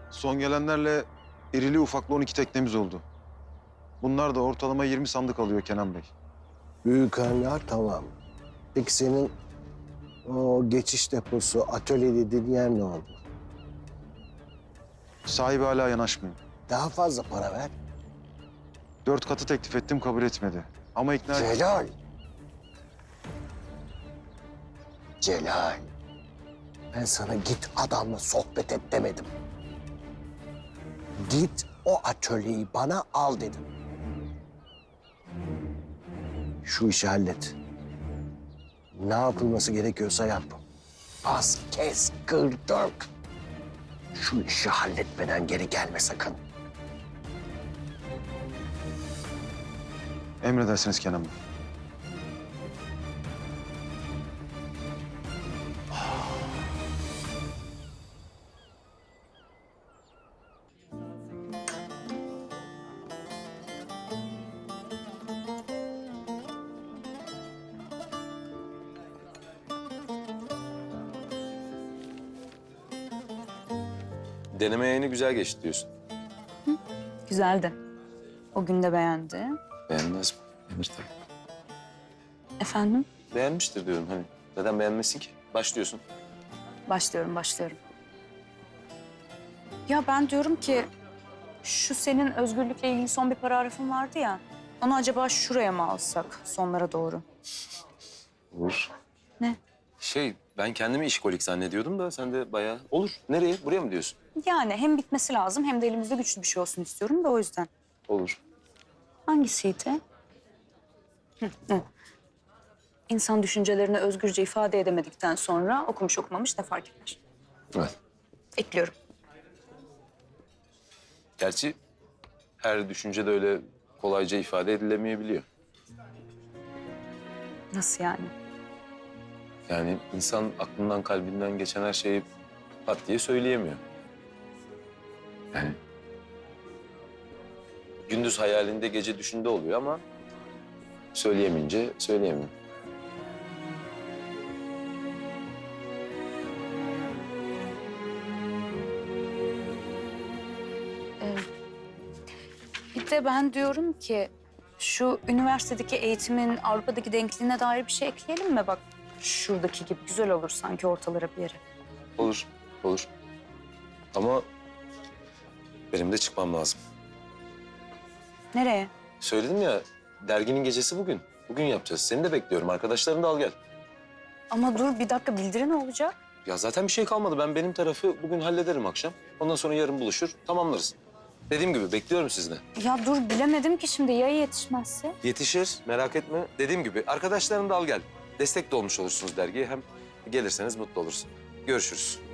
Son gelenlerle irili ufaklı 12 teknemiz oldu. Bunlar da ortalama 20 sandık alıyor Kenan Bey. Büyük hangar tamam. Peki senin o geçiş deposu, atölye dediğin yer ne oldu? Sahibi hala yanaşmıyor. Daha fazla para ver. 4 katı teklif ettim, kabul etmedi. Ama ikna... Celal. Celal. Ben sana git adamla sohbet et demedim. Git o atölyeyi bana al dedim. Şu işi hallet. Ne yapılması gerekiyorsa yap. Bas, kes, kır, dök. Şu işi halletmeden geri gelme sakın. Emredersiniz Kenan Bey. Deneme yayını güzel geçti diyorsun. Güzeldi. O gün de beğendi. Beğenmez mi? Beğenir tabii. Efendim? Beğenmiştir diyorum hani. Neden beğenmesin ki? Başlıyorsun. Başlıyorum. Ya ben diyorum ki şu senin özgürlükle ilgili son bir paragrafın vardı ya. Onu acaba şuraya mı alsak sonlara doğru? Olur. Ne? Ben kendimi işkolik zannediyordum da sen de bayağı... Olur. Nereye? Buraya mı diyorsun? Yani hem bitmesi lazım hem de elimizde güçlü bir şey olsun istiyorum da o yüzden. Olur. Hangisiydi? Hı. İnsan düşüncelerini özgürce ifade edemedikten sonra okumuş okumamış ne fark eder? Evet. Ekliyorum. Gerçi her düşünce de öyle kolayca ifade edilemeyebiliyor. Nasıl yani? Yani insan aklından, kalbinden geçen her şeyi pat diye söyleyemiyor. Yani gündüz hayalinde, gece düşünde oluyor ama söyleyemeyince söyleyemiyor. Bir de ben diyorum ki şu üniversitedeki eğitimin Avrupa'daki denkliğine dair bir şey ekleyelim mi? Bak şuradaki gibi güzel olur sanki ortalara bir yere. Olur, olur. Ama benim de çıkmam lazım. Nereye? Söyledim ya, derginin gecesi bugün. Bugün yapacağız. Seni de bekliyorum. Arkadaşlarını da al gel. Ama dur bir dakika bildiri ne olacak? Ya zaten bir şey kalmadı. Ben benim tarafı bugün hallederim akşam. Ondan sonra yarın buluşur, tamamlarız. Dediğim gibi bekliyorum sizi de. Ya dur bilemedim ki şimdi ya yetişmezse? Yetişir, merak etme. Dediğim gibi arkadaşlarını da al gel. Destek de olmuş olursunuz dergiye. Hem gelirseniz mutlu olursun. Görüşürüz.